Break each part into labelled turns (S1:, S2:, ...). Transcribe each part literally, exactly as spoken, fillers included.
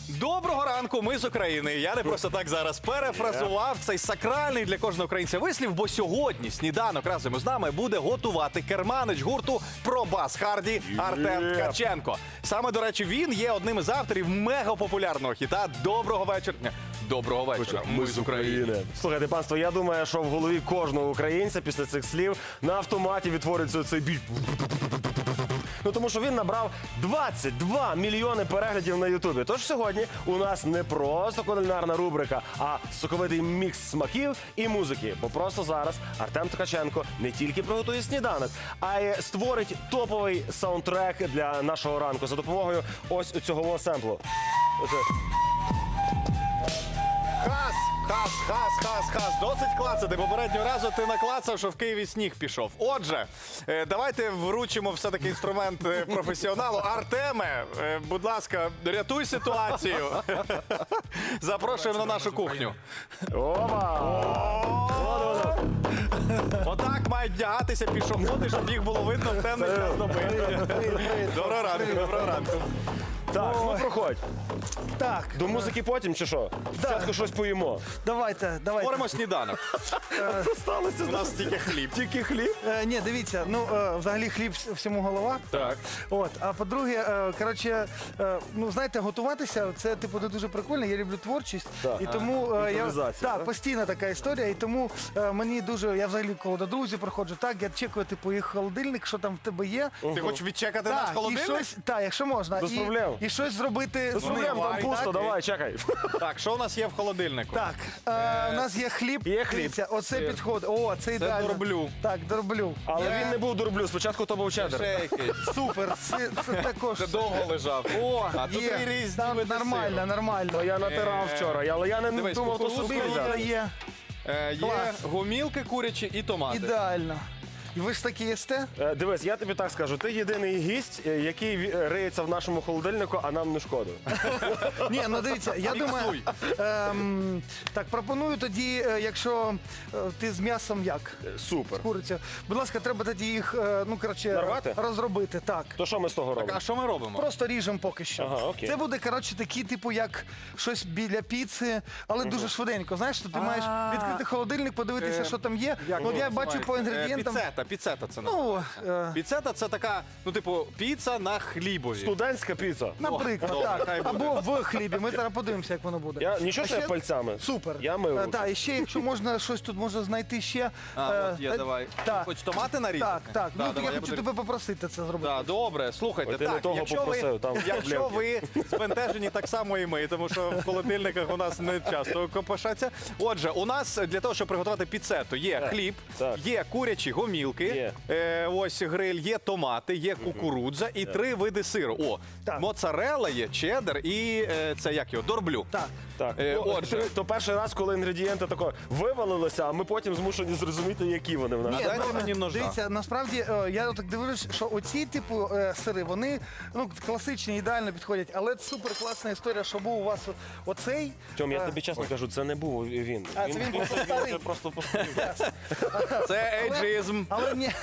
S1: Доброго ранку, ми з України. Я не просто так зараз перефразував цей сакральний для кожного українця вислів, бо сьогодні сніданок разом із нами буде готувати керманич гурту «Пробас Харді» Артем Ткаченко. Саме, до речі, він є одним із авторів мегапопулярного хіта «Доброго вечора». Доброго вечора, ми з України.
S2: Слухайте, панство, я думаю, що в голові кожного українця після цих слів на автоматі відтворюється цей біль. Ну, тому що він набрав двадцять два мільйони переглядів на Ютубі. Тож сьогодні у нас не просто кулінарна рубрика, а соковитий мікс смаків і музики. Бо просто зараз Артем Ткаченко не тільки приготує сніданок, а й створить топовий саундтрек для нашого ранку за допомогою ось цього семплу. Оце.
S1: Хас, хас, хас, хас, хас. Досить клацати. Попереднього разу ти наклацав, що в Києві сніг пішов. Отже, е, давайте вручимо все-таки інструмент е, професіоналу. Артеме, е, будь ласка, рятуй ситуацію. Запрошуємо на нашу кухню.
S2: Опа!
S1: Отак мають вдягатися пішоходи, щоб їх було видно в темний час доби. Доброго ранку, доброго ранку.
S2: Так, ну проходь.
S3: Так,
S2: До музики потім чи що? Спочатку щось поїмо.
S3: давайте, давайте.
S1: Творимо сніданок.
S2: Сталося
S1: У нас тільки хліб.
S2: тільки хліб.
S3: Е, ні, дивіться, ну е, взагалі хліб вс- всьому голова.
S1: Так.
S3: От, а по-друге, е, коротше, е, ну знаєте, готуватися це типу не дуже прикольно. Я люблю творчість,
S2: Так.
S3: і тому е, я
S2: Імпровізація,
S3: так,
S2: так?
S3: постійна така історія. І тому е, мені дуже, я взагалі коли до друзів приходжу, так я чекаю типу їх холодильник, що там в тебе є.
S1: Ти хочеш відчекати наш
S3: Так, і
S1: холодильник?
S3: щось, так, якщо можна,
S2: Без
S3: і,
S2: проблем.
S3: і щось зробити
S2: Без
S3: з
S2: проблем,
S3: ним.
S2: там пусто,
S3: Так?
S2: давай, чекай.
S1: Так, що у нас є в холодильнику?
S3: Так, е, у нас є хліб.
S2: Є хліб.
S3: Дивіться, оце
S1: Сир.
S3: підходить. О, це ідеально.
S1: дорблю.
S3: Так, дорблю.
S2: Але
S1: Є.
S2: він не був дурблю, спочатку то був чеддер.
S1: Ще якийсь.
S3: Супер, це, це також.
S1: Це довго лежав.
S3: О,
S1: А тут
S3: є.
S1: і різні
S3: Там
S1: види
S3: нормально,
S1: сиру.
S3: нормально.
S2: Я натирав
S1: Е,
S2: вчора, але я не
S1: дивись,
S2: думав, то
S1: кукурудзу
S2: собі
S1: є.
S3: Кукурудза
S2: взяти.
S3: є.
S1: Е, Є
S3: Клас.
S1: гумілки курячі і томати.
S3: Ідеально. І ви ж такі їсте?
S2: Е, Дивись, я тобі так скажу, ти єдиний гість, е, який ві- риється в нашому холодильнику, а нам не шкода.
S3: Ні, ну дивіться, я думаю.
S1: Міксуй.
S3: Ем, так, пропоную тоді, е, якщо е, ти з м'ясом як?
S2: Е, Супер.
S3: Куриця. Будь ласка, треба тоді їх, е, ну коротше,
S2: Нарвати?
S3: розробити. Так.
S2: То що ми з того
S1: Так,
S2: робимо?
S1: а що ми робимо?
S3: Просто ріжемо поки що.
S2: Ага, окей.
S3: Це буде, коротше, такі, типу, як щось біля піци, але дуже швиденько. Знаєш, що ти маєш відкрити холодильник, подивитися,
S1: Е,
S3: що там є.
S1: Як
S3: Ну, от я
S1: воно
S3: бачу по
S1: називається? Е,
S3: інгредієнтам.
S1: Піцета, піцета це
S3: Ну, е,
S1: Піцета це така, ну типу, піца на хлібові.
S2: Студентська піца.
S3: наприклад,
S1: добре,
S3: так.
S1: хай буде.
S3: Або в хлібі. Ми зараз подивимося, як воно буде.
S2: Я нічого,
S3: А
S2: що я
S3: ще-
S2: пальцями.
S3: Супер.
S2: Я мив руки.
S3: Так, і ще, якщо можна щось тут можна знайти ще.
S1: А,
S3: е,
S1: от є,
S3: та-
S1: давай.
S3: Так,
S1: Хоч томати нарізати?
S3: так, так.
S1: Да,
S3: Ну,
S1: давай,
S3: я
S1: я
S3: хочу
S1: буду-
S3: тебе попросити це зробити.
S1: Так, добре, слухайте,
S2: Ой, ти не
S1: так,
S2: того
S1: якщо,
S2: попросив,
S1: ви,
S2: там
S1: якщо ви
S2: проблемки.
S1: збентежені, так само і ми, тому що в холодильниках у нас не часто копошаться. Отже, у нас для того, щоб приготувати піцету, є
S2: Так,
S1: хліб,
S2: так.
S1: є курячі гомілки,
S2: Є.
S1: Е, ось гриль, є томати, є кукурудза і три види сиру. О,
S3: Так.
S1: моцарелла є, чеддер і е, це як його, дорблю.
S3: Так.
S2: Так,
S1: Е,
S2: ну,
S1: отже.
S2: то- то перший раз, коли інгредієнти тако вивалилися, а ми потім змушені зрозуміти, які вони в нас.
S3: Ні,
S1: дайте
S3: ну,
S1: мені ножа.
S3: Дивіться, насправді е, я так дивлюсь, що оці типу е, сири, вони ну класичні, ідеально підходять, але супер класна історія, що був у вас оцей.
S2: Тьом, я
S3: е,
S2: тобі чесно кажу, це не був він.
S3: А, це він просто старий.
S2: просто постарів.
S1: Це ейджизм.
S3: Але ні,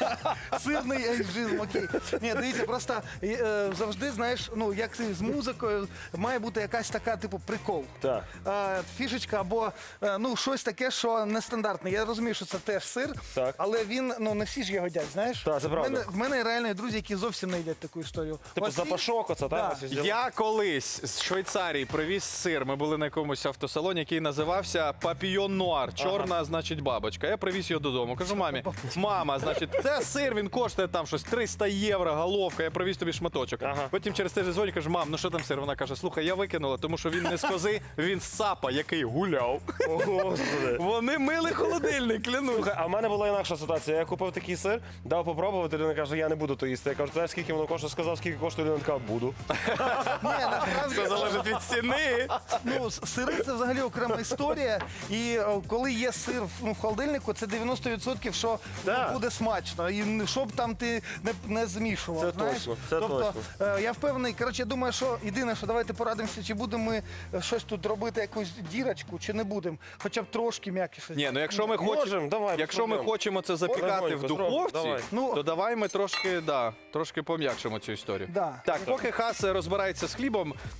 S3: сирний ейджизм, окей. Ні, дивіться, просто е, завжди, знаєш, ну як це з музикою, має бути якась така, типу, прикол.
S2: Так.
S3: Е, фішечка або е, ну щось таке, що нестандартне. Я розумію, що це теж сир,
S2: Так.
S3: але він ну не всі ж його їдять, знаєш?
S2: Так, це
S3: в
S2: правда.
S3: мене, в мене реально є друзі, які зовсім не їдять таку історію.
S2: Типу
S3: Ось
S2: запашок, оце,
S3: Да.
S2: так? ось взяли.
S1: Я колись з Швейцарії привіз сир. Ми були на якомусь автосалоні, який називався Папійон Нуар. Чорна, значить, бабочка. Я привіз його додому. Кажу мамі, мама, значить, це сир, він коштує там щось триста євро, головка. Я привіз тобі шматочок.
S2: Ага.
S1: Потім через тиждень дзвоню, кажу, мам, ну що там сир? Вона каже, слухай, я викинула, тому що він не з кози, він з сапа, який гуляв.
S2: О, Господи.
S1: Вони мили холодильник, клянусь.
S2: Слухай, а в мене була інакша ситуація. Я купив такий сир, дав попробувати, людина каже, я не буду то їсти. Я кажу, знаєш, скільки воно коштує? Сказав, скільки коштує, людина каже, буду.
S3: Ні, насправді,
S1: Це залежить від ціни.
S3: ну, с- сири це взагалі окрема історія. І о, коли є сир в, ну, в холодильнику, це дев'яносто відсотків, що
S2: Так.
S3: ну, буде смачно. І н- щоб там ти не, не змішував.
S2: Це
S3: знаєш?
S2: точно, це
S3: тобто,
S2: точно.
S3: е, я впевнений, коротше, я думаю, що єдине, що давайте порадимося, чи будемо ми е, щось тут робити, якусь дірочку, чи не будемо. Хоча б трошки м'якіше.
S1: Ні, ну якщо ми хочемо,
S2: Можем, давай, без
S1: якщо ми
S2: проблем.
S1: хочемо це запікати
S2: Легонько
S1: в
S2: зробимо,
S1: духовці,
S2: давай.
S3: Ну,
S1: то давай ми трошки, да, трошки пом'якшимо цю історію.
S3: Да.
S1: Так, поки Хас розбирається з хлібом,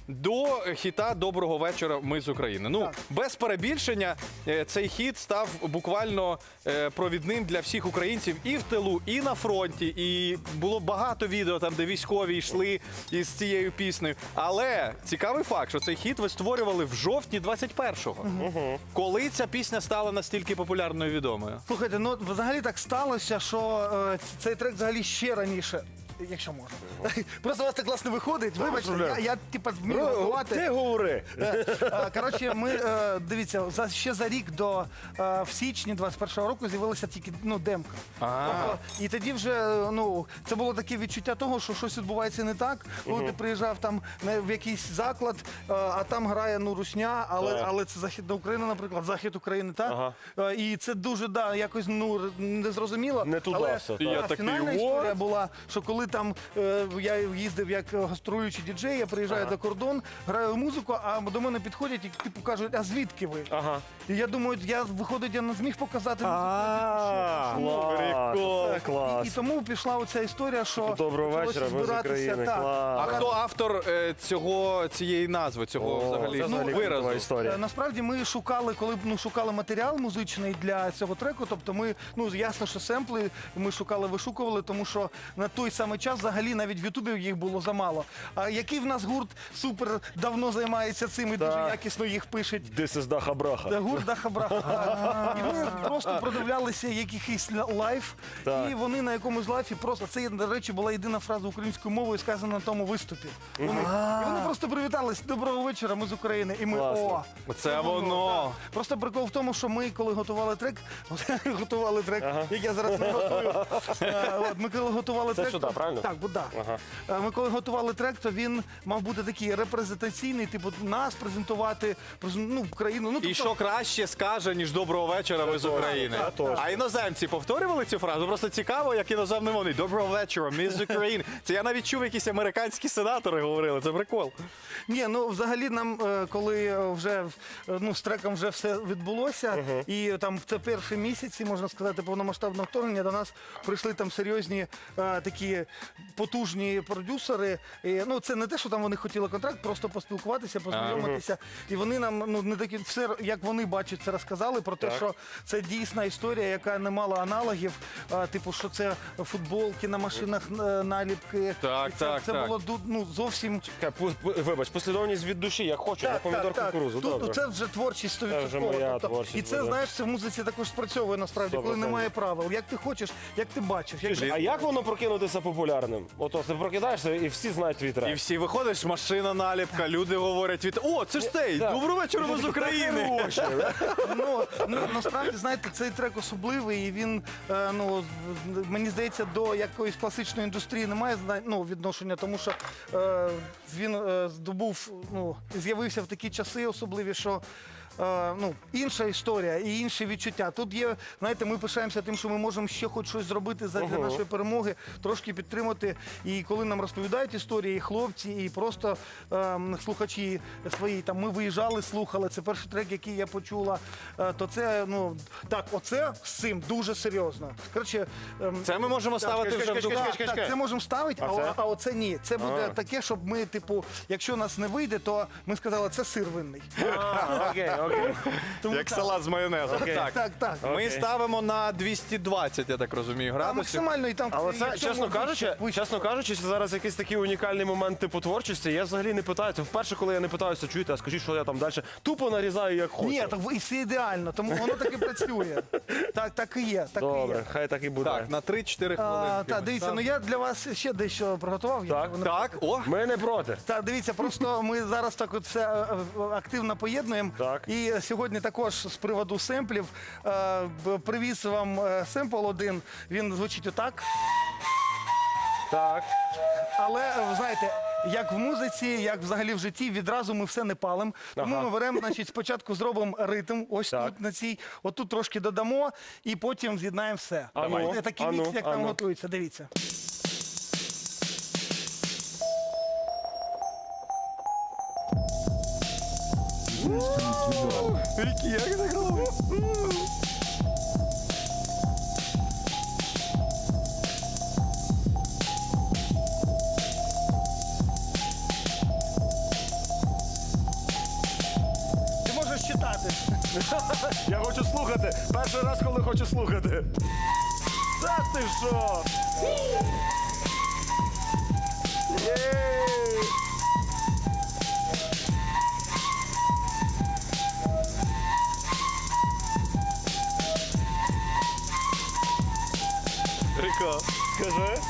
S1: до хіта «Доброго вечора, ми з України». Ну,
S3: Так.
S1: без перебільшення, е, цей хіт став буквально е, провідним для всіх українців і в тилу, і на фронті. І було багато відео там, де військові йшли із цією піснею. Але цікавий факт, що цей хіт ви створювали в жовтні двадцять першого. Коли ця пісня стала настільки популярною і відомою?
S3: Слухайте, ну взагалі так сталося, що е, цей трек взагалі ще раніше. Якщо можна. Просто у вас так класно виходить. Вибачте, я, я типа вмію готувати.
S2: Ти говори.
S3: Е, Коротше, ми е, дивіться, за ще за рік до е, в січні двадцять першого року з'явилася тільки ну демка. Тобто, і тоді вже е, ну це було таке відчуття того, що щось відбувається не так. Коли ти приїжджав там на- в якийсь заклад, е, а там грає ну русня, але
S2: Так.
S3: але це Західна Україна, наприклад, захід України, так
S2: Ага.
S3: Е, і це дуже да якось ну незрозуміло.
S2: Не туди
S3: але
S2: все,
S3: а,
S2: так.
S1: Я такий,
S3: фінальна
S1: «What?»
S3: історія була, що коли там е, я їздив як гастролюючий діджей, я приїжджаю до кордон, граю музику, а до мене підходять і типу кажуть, а звідки ви?
S2: Ага.
S3: І я думаю, я виходить, я не зміг показати музику.
S1: А,
S2: Клас.
S1: прикол.
S2: Це клас.
S3: І, і тому пішла оця історія, що
S2: Доброго
S3: почалося
S2: вечора, ми з
S3: збиратися,
S2: України.
S3: так.
S1: А
S2: Клас.
S1: хто автор е, цього, цієї назви, цього
S2: О,
S1: взагалі
S2: це взагалі
S1: виразу?
S2: культова
S3: Е,
S2: історія.
S3: Насправді ми шукали, коли ну, шукали матеріал музичний для цього треку. Тобто ми, ну ясно, що семпли ми шукали, вишукували, тому що на той самий час взагалі навіть в Ютубі їх було замало. А який в нас гурт супер давно займається цим і дуже
S2: Так.
S3: якісно їх пишуть.
S2: This is Даха Браха.
S3: Та гурт Даха Браха. так. І ми просто продивлялися якийсь лайф,
S2: Так.
S3: і вони на якомусь лайфі просто це, до речі, була єдина фраза українською мовою, сказана на тому виступі. Вони, і вони просто привітались. Доброго вечора, ми з України. І ми
S2: Класно.
S3: о.
S1: Це воно.
S3: так. Просто прикол в тому, що ми, коли готували трек, готували трек, як я зараз не готую. Е, от, Ми коли готували
S2: Це
S3: трек.
S2: сюди,
S3: то-
S2: правильно?
S3: Так, бо да.
S2: Ага.
S3: Е, Ми коли готували трек, то він мав бути такий репрезентаційний, типу нас презентувати, презен- ну, Україну. Ну,
S1: І
S3: тобто-
S1: що краще скаже, ніж «Доброго вечора, ми з України».
S2: Це точно.
S1: А іноземці повторювали цю фразу? Просто цікаво, як іноземні вони. «Доброго вечора, ми з України». Це я навіть чув, якісь американські сенатори говорили. Це прикол.
S3: Ні, ну взагалі нам, е, коли е, вже е, ну, з треком вже все відбулося, і там це перші місяці, можна сказати, повномасштабного вторгнення, до нас прийшли там серйозні е, такі потужні продюсери. І, ну, це не те, що там вони хотіли контракт, просто поспілкуватися, познайомитися. І вони нам ну не такі все, як вони бачать, це розказали про те,
S2: Так.
S3: що це дійсна історія, яка не мала аналогів. А, типу, що це футболки на машинах, е, наліпки.
S1: Так,
S3: І це,
S1: так,
S3: це
S1: так.
S3: було ду- ну, зовсім.
S2: Чекай, пу- пу- Вибач, послідовність від душі, я хочу, я помідор кукурузу.
S3: Тут
S2: Добре.
S3: це вже творчість сто відсотків.
S2: Це вже моя творчість
S3: І це,
S2: буде.
S3: знаєш, це в музиці також спрацьовує насправді,
S2: Сто
S3: коли
S2: процентів.
S3: немає правил. Як ти хочеш, як ти бачиш. Як...
S2: А як воно прокинутися популярним? Ото ти прокидаєшся і всі знають твій трек.
S1: І всі виходиш, машина наліпка, люди говорять від «О, це ж цей!
S2: Так.
S1: Доброго вечора, ми з України!»
S3: Ну, ну, насправді, знаєте, цей трек особливий, і він, е, ну, мені здається, до якоїсь класичної індустрії немає зна- ну, відношення, тому що е, він е, здобув, ну, з'явився в такі часи особливі, що е, ну, інша історія і інші відчуття. Тут є, знаєте, ми пишаємося тим, що ми можемо ще хоч щось зробити для
S2: Ого.
S3: нашої перемоги, трошки підтримати. І коли нам розповідають історії, і хлопці, і просто е, слухачі свої, там ми виїжджали, слухали. Це перший трек, який я почула. Е, то це, ну так, оце з цим дуже серйозно. Коротше, ем,
S1: Це ми можемо ставити
S2: чекай,
S1: вже в
S2: чекай,
S1: дух.
S2: чекай,
S3: так, так, це можемо ставити, а,
S2: А це?
S3: а оце ні. Це буде
S2: А.
S3: таке, щоб ми, типу, якщо нас не вийде, то ми сказали, це сир винний.
S2: А, Окей, окей.
S3: Тому
S1: Як
S3: так.
S1: салат з майонезом.
S2: Окей.
S1: Так.
S3: Так, так.
S1: Ми
S2: Окей.
S1: ставимо на двісті двадцять, я так розумію,
S3: А
S1: градусів.
S3: максимально і там.
S2: Але це,
S3: якщо
S2: чесно
S3: вище,
S2: кажучи,
S3: вище.
S2: чесно кажучи, це зараз якийсь такий унікальний момент типу творчості. Я взагалі не питаю. Це вперше, коли я не питаюся, чуєте, а скажіть, що я там далі тупо нарізаю, як хочу.
S3: Ні, так і все ідеально, тому воно так і працює. Так, так і є. Так і
S2: Добре,
S3: є.
S2: хай так і буде.
S1: Так, на три-чотири хвилини.
S3: А, та, дивіться, ну я для вас ще дещо приготував.
S2: Так,
S3: якщо ви не
S1: Так, о,
S2: Ми не проти.
S3: Так, дивіться, просто ми зараз так от все е, е, активно поєднуємо.
S2: Так.
S3: І сьогодні також з приводу семплів е, б- привіз вам е, семпл один. Він звучить отак.
S2: Так.
S3: Але е, ви знаєте, як в музиці, як взагалі в житті, відразу ми все не палимо. Тому
S2: Ага.
S3: ми беремо, значить, спочатку зробимо ритм, ось
S2: Так.
S3: тут на цій, отут трошки додамо, і потім з'єднаємо все.
S2: Ану,
S3: Давайте, такий
S2: ану,
S3: мікс, як там
S2: ану.
S3: готується. Дивіться.
S1: Вікі, як це класно.
S3: стати.
S2: Я хочу слухати. Перший раз, коли хочу слухати. Та ти що? Єй!
S1: Прикол.
S2: Скажи.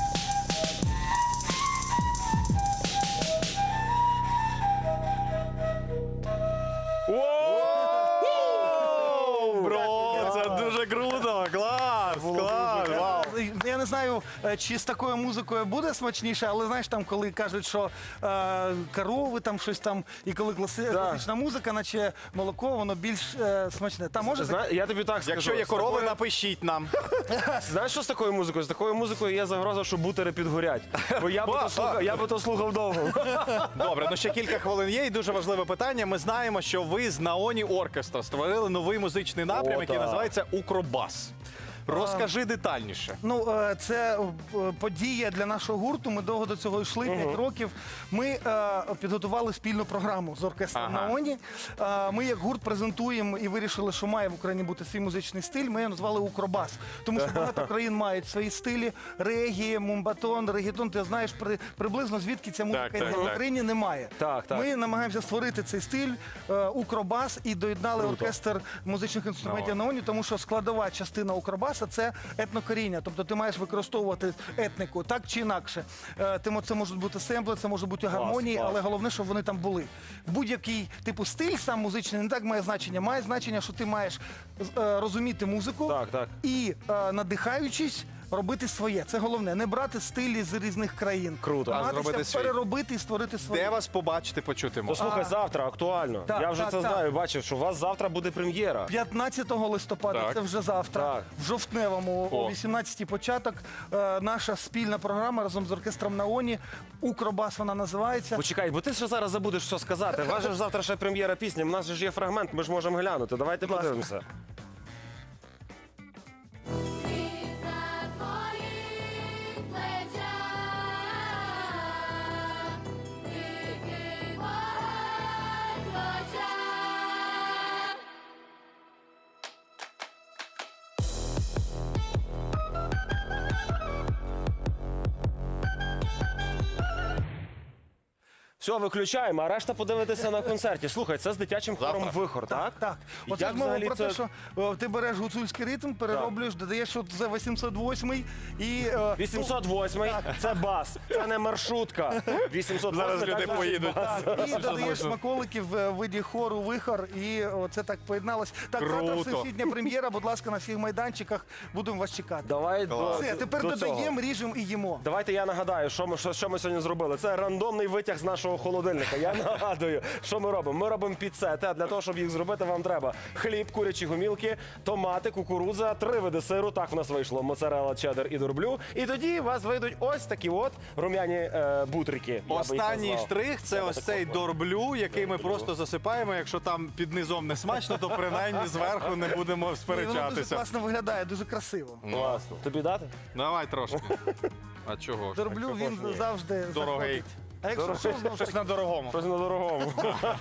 S2: Воу!
S1: Бро, це дуже круто! Клас! Клас! Вау!
S3: Я не знаю, е, чи з такою музикою буде смачніше, але знаєш, там, коли кажуть, що е, корови, там щось там, і коли класи- класична музика, наче молоко, воно більш е, смачне. Та може
S2: Зна... Я тобі так скажу.
S1: Якщо є
S2: з
S1: корови,
S2: такою-
S1: напишіть нам.
S2: Знаєш, що з такою музикою? З такою музикою є загроза, що бутери підгорять. Бо я би то слухав, я би то слухав довго.
S1: Добре, ну ще кілька хвилин є, і дуже важливе питання. Ми знаємо, що ви з Наоні Оркестра створили новий музичний напрям,
S2: О,
S1: який
S2: так.
S1: називається Укробас. Розкажи детальніше.
S3: Ну, е, це е, подія для нашого гурту. Ми довго до цього йшли, п'ять років. Ми е, підготували спільну програму з оркестром
S1: Ага.
S3: Наоні. Е, Ми як гурт презентуємо і вирішили, що має в Україні бути свій музичний стиль. Ми його назвали Укробас. Тому що багато країн мають свої стилі. Регі, мумбатон, регетон. Ти знаєш при, приблизно звідки ця музика
S1: Так, так,
S3: йде. В
S1: так.
S3: Україні немає.
S2: Так, так.
S3: Ми намагаємося створити цей стиль е, Укробас і доєднали оркестр музичних інструментів Наоні, тому що складова частина Укробаса – це етнокоріння. Тобто ти маєш використовувати етнику так чи інакше. Е, Тому це можуть бути семпли, це може бути гармонії,
S2: клас.
S3: але головне, щоб вони там були. Будь-який типу стиль сам музичний не так має значення. Має значення, що ти маєш е, розуміти музику
S2: Так, так.
S3: і, е, надихаючись, робити своє. Це головне. Не брати стилі з різних країн.
S2: Круто. А
S3: Намагатися
S1: зробити свій.
S3: переробити і створити своє.
S1: Де вас побачити, почути можна?
S2: Послухай, завтра актуально.
S3: Так,
S2: Я вже
S3: так,
S2: це
S3: так.
S2: знаю, бачив, що у вас завтра буде прем'єра.
S3: п'ятнадцятого листопада,
S1: Так.
S3: це вже завтра,
S2: Так.
S3: в Жовтневому,
S1: О.
S3: о вісімнадцятій початок, е, наша спільна програма разом з оркестром Наоні. Укробас вона називається.
S2: Почекай, бо ти ще зараз забудеш, що сказати. У вас же ж завтра ще прем'єра пісні. У нас же ж є фрагмент, ми ж можемо глянути. Давайте
S3: Будь ласка.
S2: подивимося.
S4: Світ на твоїх плечах, тільки вогонь в очах.
S2: Все, виключаємо, а решта подивитися на концерті. Слухай, це з дитячим хором
S1: Завтра.
S2: «Вихор», так?
S3: Так,
S2: І
S3: оце
S2: як
S3: ж мова
S2: взагалі
S3: про
S2: це-
S3: те, що о, ти береш гуцульський ритм, перероблюєш, додаєш от за вісімсот восьмий і... е,
S2: вісімсот восьмий – це бас, це не маршрутка. вісімсот восьмий
S1: Зараз люди
S2: так,
S1: поїдуть.
S3: Так, і додаєш смаколиків в виді хору «Вихор», і о, це так поєдналось. Так, завтра
S1: Круто.
S3: всесвітня прем'єра, будь ласка, на всіх майданчиках, будемо вас чекати.
S2: Давай до,
S3: Все, тепер
S2: до цього.
S3: додаємо, ріжемо і їмо.
S2: Давайте я нагадаю, що ми, що, що ми сьогодні зробили. Це рандомний витяг з нашого холодильника. Я нагадую, що ми робимо. Ми робимо піцети, а для того, щоб їх зробити, вам треба хліб, курячі гомілки, томати, кукурудза, три види сиру. Так в нас вийшло: моцарелла, чеддер і дурблю. І тоді у вас вийдуть ось такі от рум'яні е, бутрики. Я би їх
S1: Останній
S2: назвав.
S1: штрих це
S2: Я би
S1: ось
S2: так
S1: цей
S2: назвав.
S1: дорблю, який ми просто засипаємо. Якщо там під низом не смачно, то принаймні зверху не будемо
S3: І воно дуже
S1: сперечатися.
S3: класно виглядає, дуже красиво.
S2: Класно. Тобі дати?
S1: Давай трошки. А чого ж?
S3: Дорблю він
S2: ні.
S3: завжди
S1: Дорогий.
S3: заходить. А якщо що, знову ж
S1: Щось
S3: таки,
S1: на дорогому.
S2: Щось на дорогому.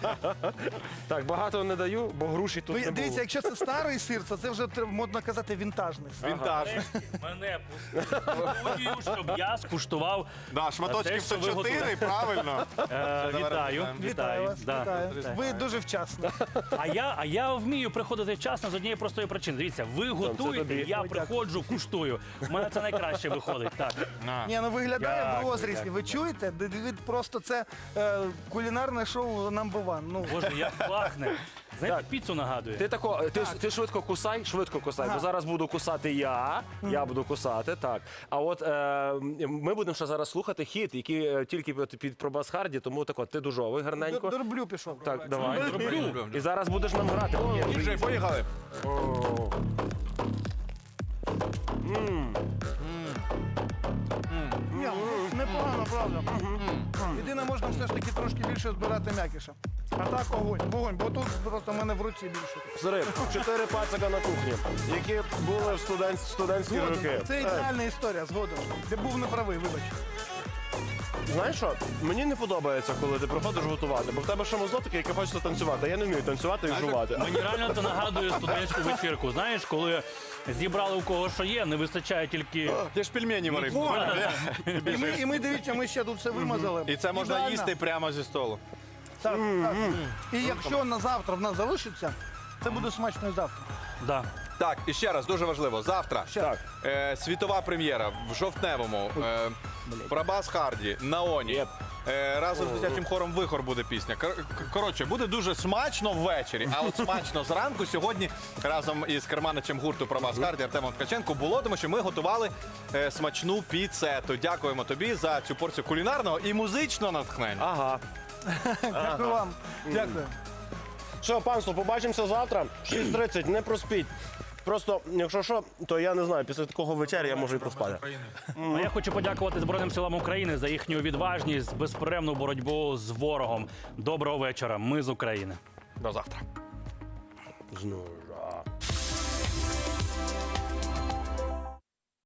S2: Так, багато не даю, бо груші тут
S3: ну,
S2: не
S3: дивіться,
S2: було.
S3: якщо це старий сир, то це вже треба, модно казати вінтажний сир.
S1: Вінтаж.
S5: Мене пустили, щоб я скуштував.
S1: Да, шматочків
S5: Те, що ви
S1: сто чотири, правильно.
S5: Е,
S1: давай
S5: вітаю,
S1: розглядаємо.
S3: Вітаю
S5: вітаю.
S3: вас,
S5: Да.
S3: вітаю.
S5: Так.
S3: Ви дуже вчасно.
S5: А я, а я вмію приходити вчасно з однієї простої причини. Дивіться, ви готуєте,
S2: тобі.
S5: я
S3: Ой,
S5: приходжу, куштую. У мене це найкраще виходить. Так.
S1: На.
S3: Ні, ну виглядає в
S5: Дякую,
S3: розрізі. Ви чуєте? Д- д- Просто це е, кулінарне шоу number one. Ну,
S5: Боже, як пахне. Знаєте,
S2: Так.
S5: піцу нагадує.
S2: Ти тако, ти, ж- ти швидко кусай, швидко кусай,
S3: Ага.
S2: бо зараз буду кусати я, я буду кусати, так. А от е, ми будемо ще зараз слухати хіт, який е, тільки під, під пробас харді, тому тако, ти дужовий гарненько.
S3: дорблю пішов.
S2: Так, давай.
S1: Люблю.
S2: І зараз будеш нам грати.
S1: Вже поїхали.
S3: Ні, ну, непогано, правда. Єдине, можна все ж таки трошки більше збирати м'якіша. А так огонь, вогонь, бо тут просто в мене в руці більше.
S2: Зрив, чотири пацака на кухні, які були в студент, студентські
S3: Згоден.
S2: роки.
S3: Це ідеальна історія, згодом. Ти був неправий, вибач.
S2: знаєш що? Мені не подобається, коли ти приходиш готувати, бо в тебе ще мозок такий, який хочеться танцювати. А я не вмію танцювати і жувати.
S5: Мені реально це нагадує студентську вечірку. Знаєш, коли зібрали у кого що є, не вистачає тільки.
S1: Ти ж пельмені варив.
S3: І ми, і ми дивіться, ми ще тут все вимазали.
S1: І це можна
S3: Ідеально.
S1: їсти прямо зі столу.
S3: Так, так. І якщо на завтра в нас залишиться, це буде смачно і завтра.
S5: Да.
S1: Так, і ще раз, дуже важливо. Завтра
S2: Так.
S1: е, світова прем'єра в жовтневому. Е, Пробас Харді, Наоні. Е, разом з дитячим хором Вихор буде пісня. Кор- к- Коротше, буде дуже смачно ввечері, а от смачно зранку сьогодні разом із керманичем гурту Пробас Харді Артемом Ткаченко було, тому що ми готували е, смачну піцету. Дякуємо тобі за цю порцію кулінарного і музичного натхнення.
S2: Ага.
S3: Дякую вам. Дякую.
S2: Що, панство, побачимося завтра. шість тридцять, не проспіть. Просто, якщо що, то я не знаю, після такого вечері я можу і проспати.
S5: А я хочу подякувати Збройним силам України за їхню відважність, безперервну боротьбу з ворогом. Доброго вечора. Ми з України.
S1: До завтра.
S2: Знужа.